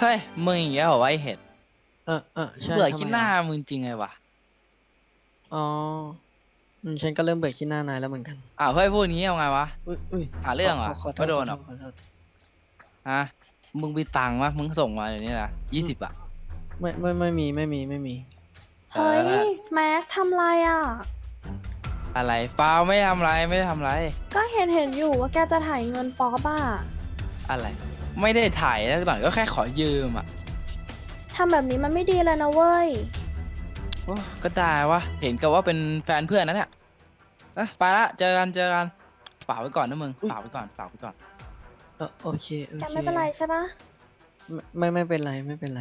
เฮ้ยมึงอย่างเงี้ยเหรอวะไอเห็ดใช่เบื่อทำไมขี้หน้าอ่ะมึงจริงไงวะอ๋อฉันก็เริ่มเบื่อขี้หน้านายแล้วเหมือนกันเฮ้ยพวกนี้เอาไงวะอุ้ยหาเรื่องเหรอขอโทษไม่โดนหรอกขอโทษฮะมึงมีตังค์วะมึงส่งมาเดี๋ยวนี้นะ20อะไม่มีเเฮ้ยออแม็กทำไรอ่ะอะไรเปล่าไม่ทำไรไม่ได้ทำไรก็เห็นอยู่ว่าแกจะถ่ายเงินป๊อปอ่ะอะไรไม่ได้ถ่ายแล้วหน่อยก็แค่ขอยืมอะทำแบบนี้มันไม่ดีเลยนะเว้ยโอ้ก็ได้วะเห็นกับว่าเป็นแฟนเพื่อนนะเนี่ยไปละเจอกันฝากไว้ก่อนนะมึงฝากไว้ก่อนโอเคแกไม่เป็นไรใช่ปะไม่เป็นไรไม่เป็นไร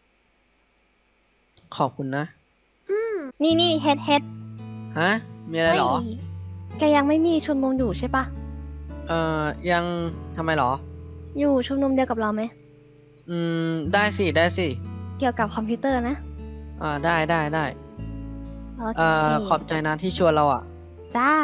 ขอบคุณนะนี่เฮ็ดฮะมีอะไรเหรอแกยังไม่มีชุมนุมอยู่ใช่ปะยังทำไมเหรออยู่ชุมนุมเดียวกับเราไหมได้สิเกี่ยวกับคอมพิวเตอร์นะได้โอเคขอบใจนะที่ชวนเราอ่ะจ้า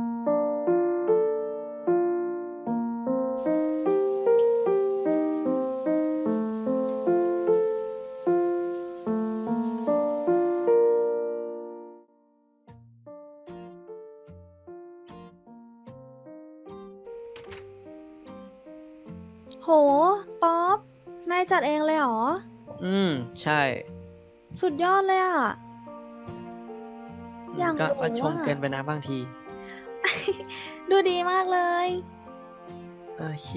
โหป๊อปนายจัดเองเลยเหรอใช่สุดยอดเลยอ่ะอย่างก็หนูชมเกินไปนะบางทีดูดีมากเลยโอเค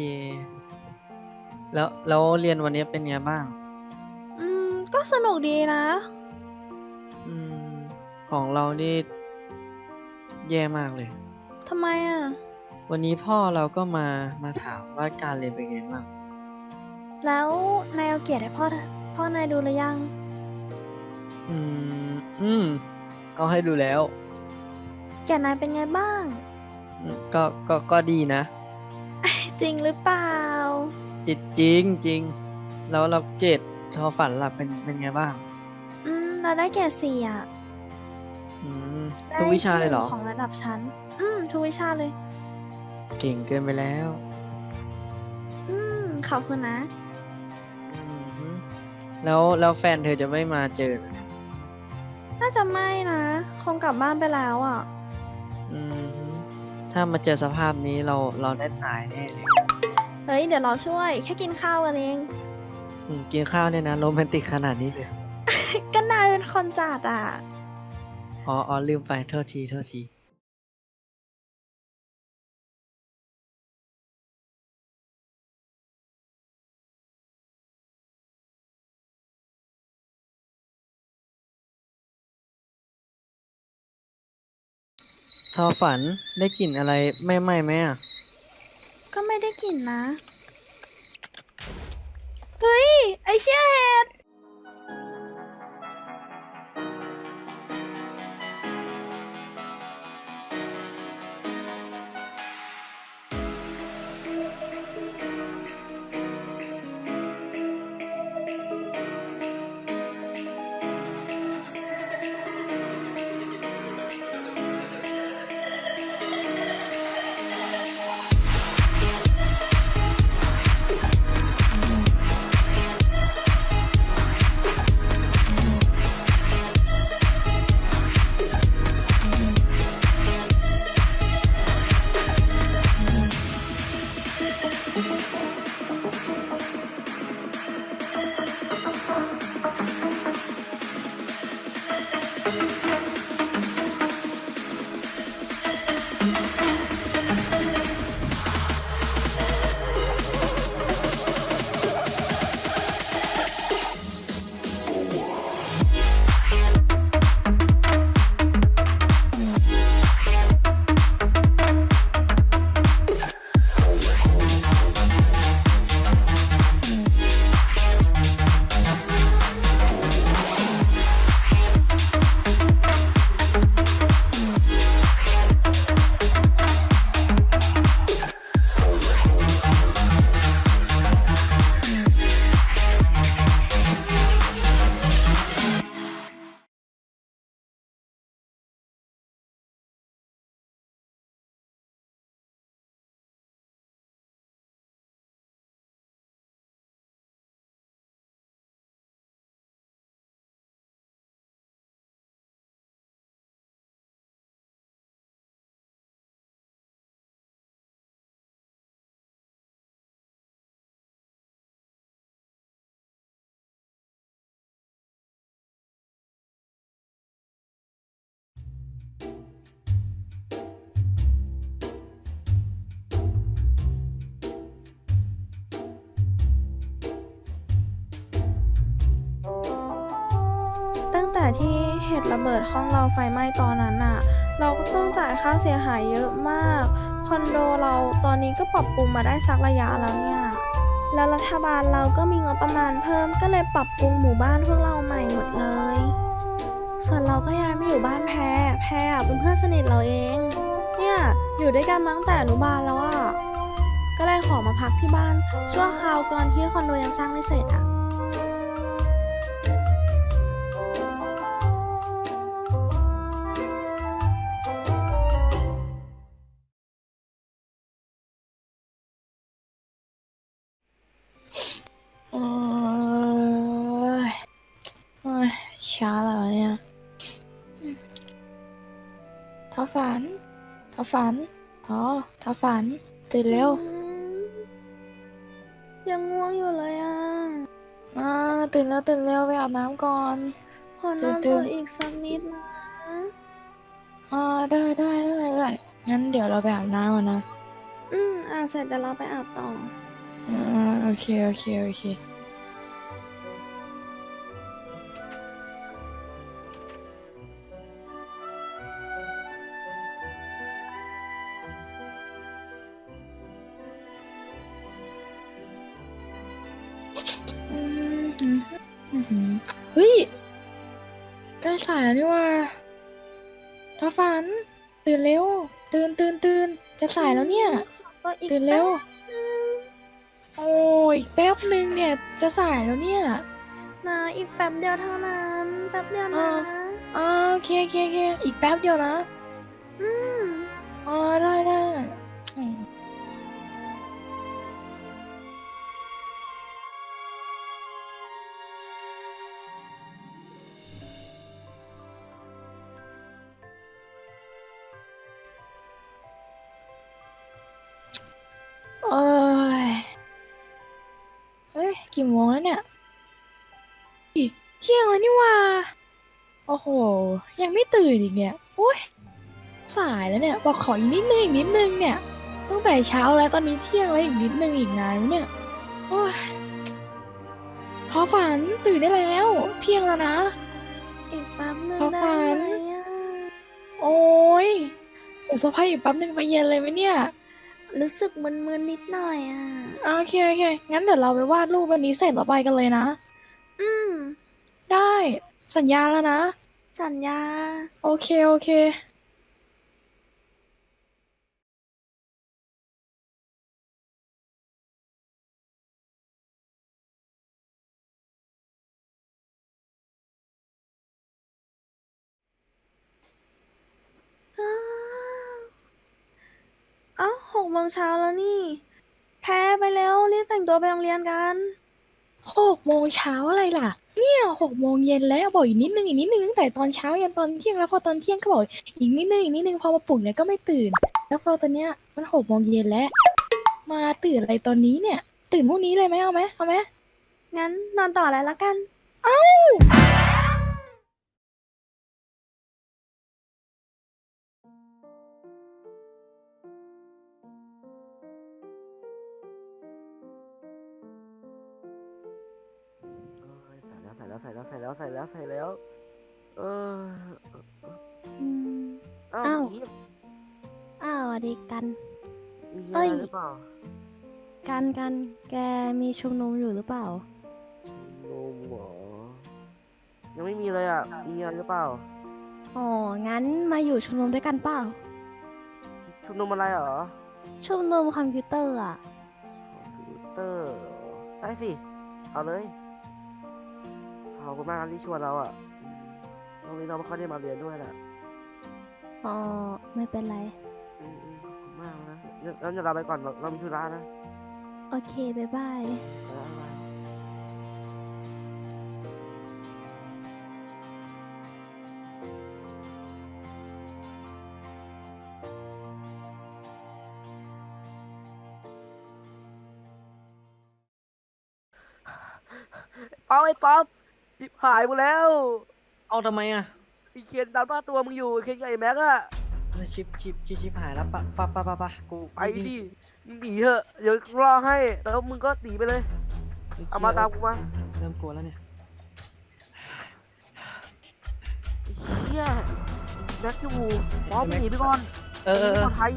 แล้วเรียนวันนี้เป็นไงบ้างก็สนุกดีนะอืมของเรานี่แย่มากเลยทำไมอ่ะวันนี้พ่อเราก็มาถามว่าการเรียนเป็นไงบ้างแล้วนายเอาเกียรติให้พ่อนายดูหรือยังเอาให้ดูแล้วเกียรตินายเป็นไงบ้างก็ดีนะจริงหรือเปล่าจริงแล้วเราเกรดทอฝันล่ะเป็นไงบ้างเราได้เกียรติ4อ่ะ ได้ทุกวิชาเลยเหรอที่1ของระดับชั้น ทุกวิชาเลยเก่งเกินไปแล้วขอบคุณนะแล้วแฟนเธอจะไม่มาเจอเหรอน่าจะไม่นะ คงกลับบ้านไปแล้วอ่ะอืมถ้ามาเจอสภาพนี้เราได้ตายแน่เลยเฮ้ย เดี๋ยวเราช่วย แค่กินข้าวกันเองกินข้าวเนี่ยนะโรแมนติกขนาดนี้เลยก็นายเป็นคนจัดอ่ะอ๋อลืมไปโทษทีทอฝันได้กลิ่นอะไรไม่ไหม้ไหมอ่ะก็ไม่ได้กลิ่นนะ เฮ้ย ไอเชี่ยเห็ดแต่ที่เหตุระเบิดห้องเราไฟไหม้ตอนนั้นน่ะ เราก็ต้องจ่ายค่าเสียหายเยอะมาก คอนโดเราตอนนี้ก็ปรับปรุงมาได้สักระยะแล้วเนี่ย แล้วรัฐบาลเราก็มีงบประมาณเพิ่มก็เลยปรับปรุงหมู่บ้านพวกเราใหม่หมดเลย ส่วนเราก็ย้ายมาอยู่บ้านแพรเป็นเพื่อนสนิทเราเอง เนี่ยอยู่ด้วยกันมาตั้งแต่อนุบาลแล้วอ่ะ ก็เลยขอมาพักที่บ้านชั่วคราวก่อนที่คอนโดยังสร้างไม่เสร็จอ่ะโอ้ยโอ้ยช้าแล้วเนี่ยท้อฝันท้อฝันท้อฝันตื่นเร็วยังง่วงอยู่เลยอ่ะตื่นแล้วไปอาบน้ำก่อนขอนอนตื่ต่อน อีกสักนิดนะได้งั้นเดี๋ยวเราไปอาบน้ำก่อนนะอาบเสร็จเดี๋ยวเราไปอาบต่อโอเคเฮ้ยใกล้สายแล้วนี่ว่าท้อฝันตื่นเร็วตื่นจะสายแล้วเนี่ยก็อีกตื่นเร็วแป๊บนึงโอ้ยอีกแป๊บนึงเนี่ยจะสายแล้วเนี่ยนะอีกแป๊บเดียวเท่านั้นแป๊บเดียวนะโอเคอีกแป๊บเดียวนะอืมได้อืมโอ้ยเฮ้ยกี่โมงแล้วเนี่ยอิเที่ยงแล้วนี่หว่าโอ้โหยังไม่ตื่นอีกเนี่ยโอ้ยสายแล้วเนี่ยบอกขออีกนิดนึงเนี่ยตั้งแต่เช้าแล้วตอนนี้เที่ยงแล้วอีกนิดนึงอีกนานไหมเนี่ยโอ้ยพอฝันตื่นได้แล้วเที่ยงแล้วนะอีกแป๊บนึงขอได้ฝันไหมอ่ะโอ้ยเดี๋ยวสะพายอีกแป๊บนึงไปเย็นเลยไหมเนี่ยรู้สึกมึนๆนิดหน่อยอ่ะโอเคงั้นเดี๋ยวเราไปวาดรูปวันนี้เสร็จแล้วไปกันเลยนะอืมได้สัญญาแล้วนะสัญญาโอเคเอ้า6 โมงเช้าแล้วนี่ แพ้ไปแล้วรีบแต่งตัวไปโรงเรียนกัน 6 โมงเช้าอะไรล่ะ เนี่ย6 โมงเย็นแล้วบอกอีกนิดนึงตั้งแต่ตอนเช้ายันตอนเที่ยงแล้วพอตอนเที่ยงก็บอกอีกนิดนึงพอมาปลุกเนี่ยก็ไม่ตื่น แล้วพอตอนเนี้ยมัน6 โมงเย็นแล้ว มาตื่นอะไรตอนนี้เนี่ย ตื่นพรุ่งนี้เลยไหมเอาไหมงั้นนอนต่อเลยละกันใส่แล้วเอออืมอ้าวอ้าวอีฟสวัสดีกันมีเอ้อะไรยหรือเปล่ากันแกมีชุมนุมอยู่หรือเปล่านมหรอยังไม่มีเลยอ่ะมีอะไรหรือเปล่าอ๋อ งั้นมาอยู่ชุมนุมด้วยกันเปล่าชุมนุมอะไรเหรอชุมนุมคอมพิวเตอร์อ่ะคอมพิวเตอร์เหรอได้สิเอาเลยขอบคุณมากนะที่ชวนเราอ่ะวันนี้เราไม่ค่อยได้มาเรียนด้วยแหละอ๋อ ไม่เป็นไรขอบคุณมากนะงั้นเดี๋ยวเราไปก่อนเรามีธุระนะโอเค บ๊ายบายบ๊ายบายเอาไอ้ป๊อปจิบหายหมดแล้วเอาทำไมอ่ะไอ้เคนดันบ้าตัวมึงอยู่ไอ้เคนกับไอ้แม็กอะชิปหายแล้วปะกูไปดิมึงหนีเถอะเดี๋ยวรอให้แล้วมึงก็หนีไปเลยเอามาตามกูมาเริ่มกลัวแล้วเนี่ยหี้ยแม็กอยู่บอสมึงหนีไปก่อนเออปลอดภัย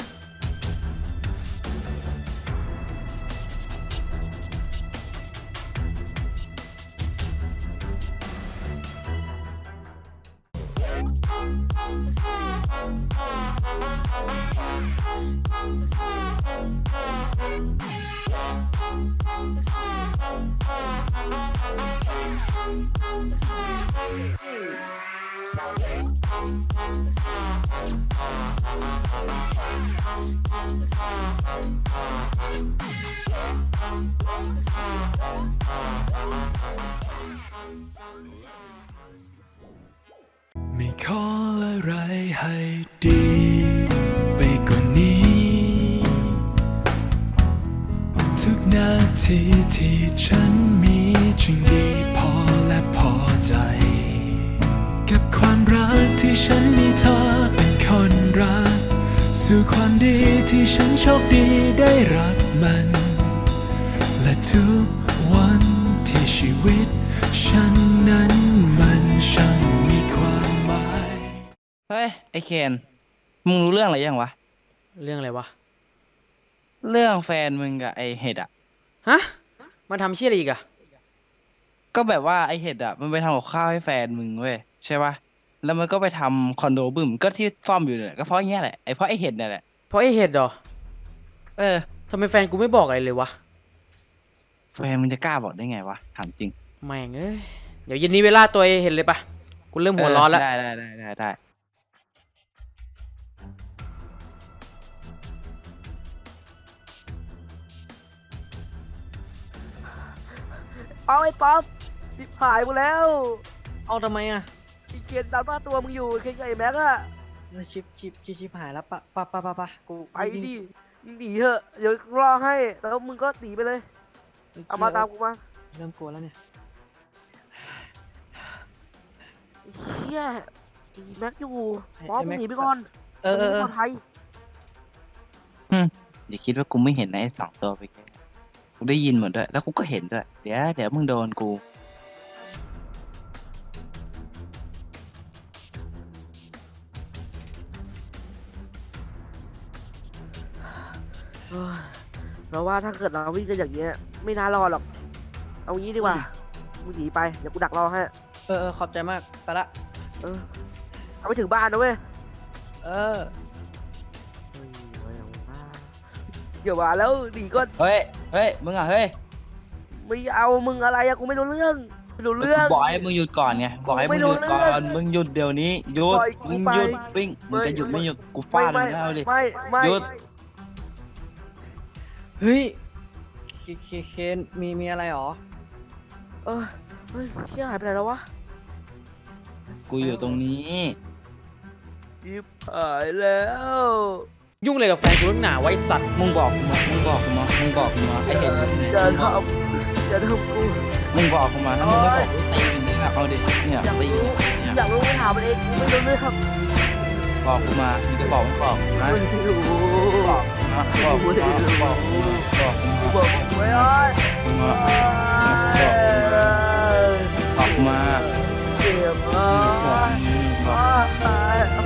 ไม่ขออะไรให้ดีไปกว่านี้ ทุกนาทีที่ฉันมีจึงดีพอและพอใจ กับความรักที่ฉันมีเธอเป็นคนรัก สู่ความดีที่ฉันโชคดีได้รับมัน และทุกวันที่ชีวิตฉันนั้นมันช่างมีความหมายเฮ้ยไอเคนมึงรู้เรื่องอะไรยังวะเรื่องอะไรวะเรื่องแฟนมึงกับไอเห็ดอ่ะฮะมาทำเชี่ยอะไรอีกอะก็แบบว่าไอเห็ดอ่ะมันไปทำกับข้าวให้แฟนมึงเว้ยใช่ปะแล้วมันก็ไปทำคอนโดบึ้มก็ที่ซ่อมอยู่เนี่ยก็เพราะอย่างเงี้ยแหละไอเพราะไอเห็ดเนี่ยแหละเพราะไอ้เห็ดเหรอเออทำไมแฟนกูไม่บอกอะไรเลยวะแฟนมึงจะกล้าบอกได้ไงวะถามจริงแม่งเอ้ย เดี๋ยวเย็นนี้เวลาตัวไอ้เห็ดเลยปะกูเริ่มหัวร้อนแล้วได้เอาไอ้ป๊อปทิบหายหมดแล้วเอาทำไมอะไอ้เคนดันบ้าตัวมึงอยู่เคนกับไอ้แม็กอะชิปหายแล้วปะกูไปดิมึงหนีเถอะเดี๋ยวรอให้แล้วมึงก็หนีไปเลย เอามาตามกูมาเริ่มกลัวแล้วเนี่ยไอ้เหี้ยไอ้แม็กอยู่ไอ้ป๊อปมึงแม็กหนีไปก่อนเออปลอดภัยอย่าคิดว่ากูไม่เห็นนะไอ้สองตัวไปแค่กูได้ยินหมดด้วยแล้วกูก็เห็นด้วยเดี๋ยวมึงโดนกูเฮ้ยเราว่าถ้าเกิดเราวิ่งกันอย่างเงี้ยไม่น่ารอดหรอก เอางี้ดีกว่ามึงหนีไปเดี๋ยวกูดักรอให้ขอบใจมาก ไปละเออเอาไปถึงบ้านนะเว้ยเอออย่ามาแล้วหนีก่อนเฮ้ยมึงอ่ะเฮ้ยไม่เอามึงอะไรอะกูไม่รู้เรื่องไม่รู้เรื่องบอกให้มึงหยุดก่อนไงบอกให้มึงหยุดก่อไม่รู้เรื่นองมึงหยุดเดี๋ยวนี้หยุดปล่อยกูมึงไปหยุดปิ้งมึงจะหยุดไม่หยุดกูฟาดมึงแล้วดิไม่หยุดเฮ้ยเคนมีอะไรหรอเออเฮ้ยเชี่ยหายไปไหนแล้ววะกูอยู่ตรงนี้ยิบหายแล้วยุ่งเลยกับแฟนกูนักหนาไว้สัตว์มึงบอกกูมาไอเห็นอย่าทำอย่าทำกูมึงบอกกูมาถ้ามึงไม่บอกกูตีอย่างนี้นะเอาดิเนี่ยอยากตีรู้เนี่ยอยากรู้ไม่ถามมันเองกูไม่รู้เรื่องบอกกูมามึงจะบอกมึงบอกนะไม่รู้บอกนะบอกกูมาบอกกูมาบอกกูกูมาบอกมึงไว้อ้อยกูมาบอกกูมาเจ็บอ่ะบอก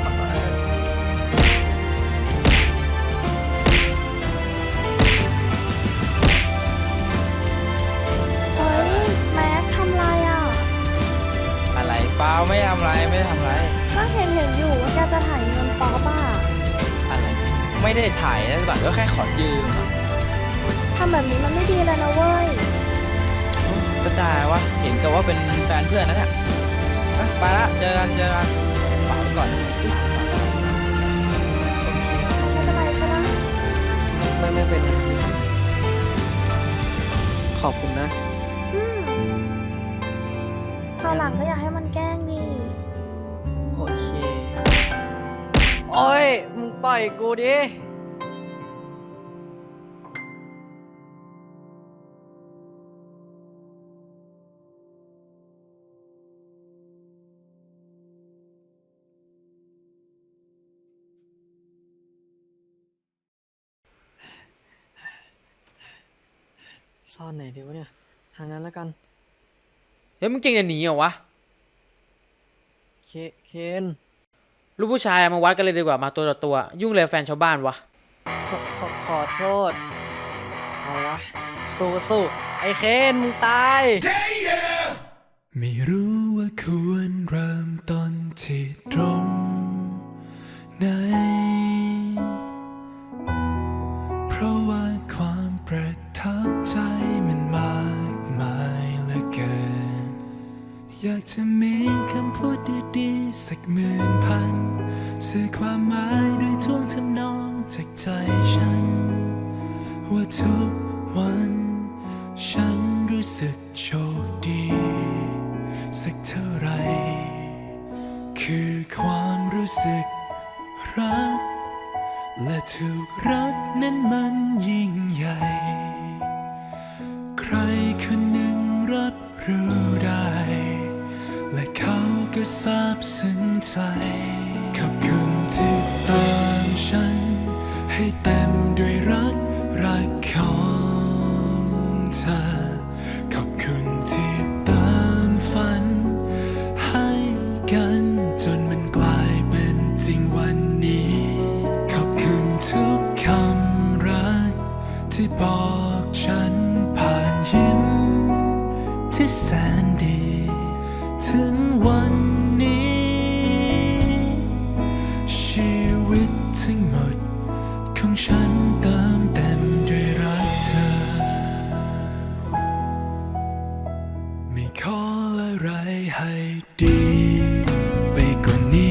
เฮ้ย แม็กทำไรอ่ะอะไรเปล่าไม่ทำไรไม่ได้ทำไรก็เห็นอยู่ว่าแกจะถ่ายเงินป๊อปอ่ะอะไรไม่ได้ถ่ายนะบัตรก็แค่ขอยืมอะทำแบบนี้มันไม่ดีเลยนะเว้ยก็ได้วะเห็นกับว่าเป็นแฟนเพื่อนนะเนี่ยไปละเจอกันฝากไว้ก่อนไม่เป็นไรใช่ไหมไม่เป็นไรขอบคุณนะอืมคราวหลังก็อยากให้มันแกล้งดิโอเคโอ้ย มึงปล่อยกูดิ ซ่อนไหนดีวะเนี่ย ทางนั้นแล้วกัน เฮ้ยมึงเก่งจะหนีเหรอวะเคนลูกผู้ชายมาวัดกันเลยดีกว่ามาตัวต่อตัวยุ่งเลยแฟนชาวบ้านวะขอโทษเอาละสู้ไอ้เคนมึงตายไม่รู้ว่าควรเริ่มต้นที่ตรงไหน เพราะว่าความประทับใจมันมากมายเหลือเกิน อยากจะมีคำพูดดีๆสักหมื่นพันสื่อความหมายด้วยท่วงทำนองจากใจฉัน ว่าทุกวันฉันรู้สึกโชคดีสักเท่าไร คือความรู้สึกรัก และถูกรักนั้นมันยิ่งใหญ่ ใครคนหนึ่งรับรู้ได้ และเขาก็ซาบซึ้งใจขอบคุณที่เติมฉันให้เต็มด้วยรักของเธอ ขอบคุณที่เติมฝันให้กันจนมันกลายเป็นจริงวันนี้ ขอบคุณทุกคำรักที่บอกฉันผ่านยิ้มที่แสนดี ถึงวันนี้ชีวิตทั้งหมดของฉันเติมเต็มด้วยรักเธอ ไม่ขออะไรให้ดีไปกว่านี้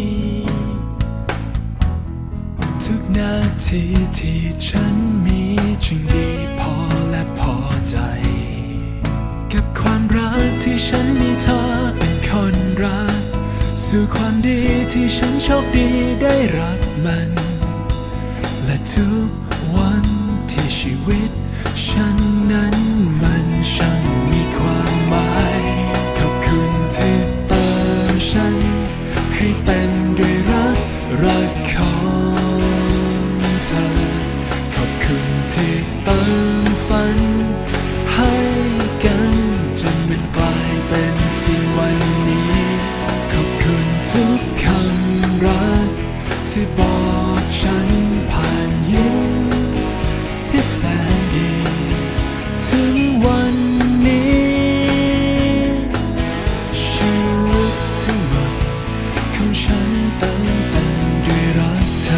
ทุกนาทีที่ฉันมีจึงดีพอและพอใจ กับความรักที่ฉันมีเธอเป็นคนรัก สู่ความดีที่ฉันโชคดีได้รับมัน และทุกวันที่ชีวิตฉันนั้นมันช่างมีความหมาย ขอบคุณที่เติมฉันให้เต็มด้วยรักของเธอ ขอบคุณที่เติมฝันให้กันจนมันกลายเป็นจริงวันนี้ ขอบคุณทุกคำรักที่บอกฉันผ่านยิ้มที่แสนดี ถึงวันนี้ชีวิตทั้งหมดของฉันเติมเต็มด้วยรักเธ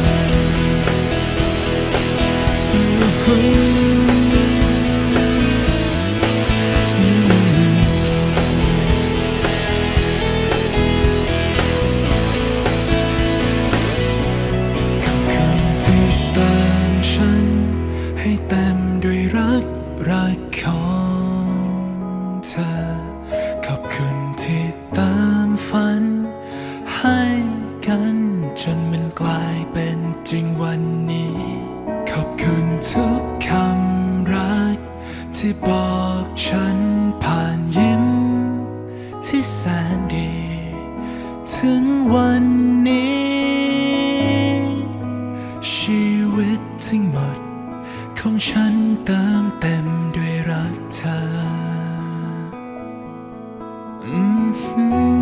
อให้เต็มด้วยรักของเธอ ขอบคุณที่เติมฝันให้กันจนมันกลายเป็นจริงวันนี้ ขอบคุณทุกคำรักที่บอกฉันผ่านยิ้มที่แสนดี ถึงวันนี้ชีวิตทั้งหมดของฉันเติมเต็มด้วยรักเธอ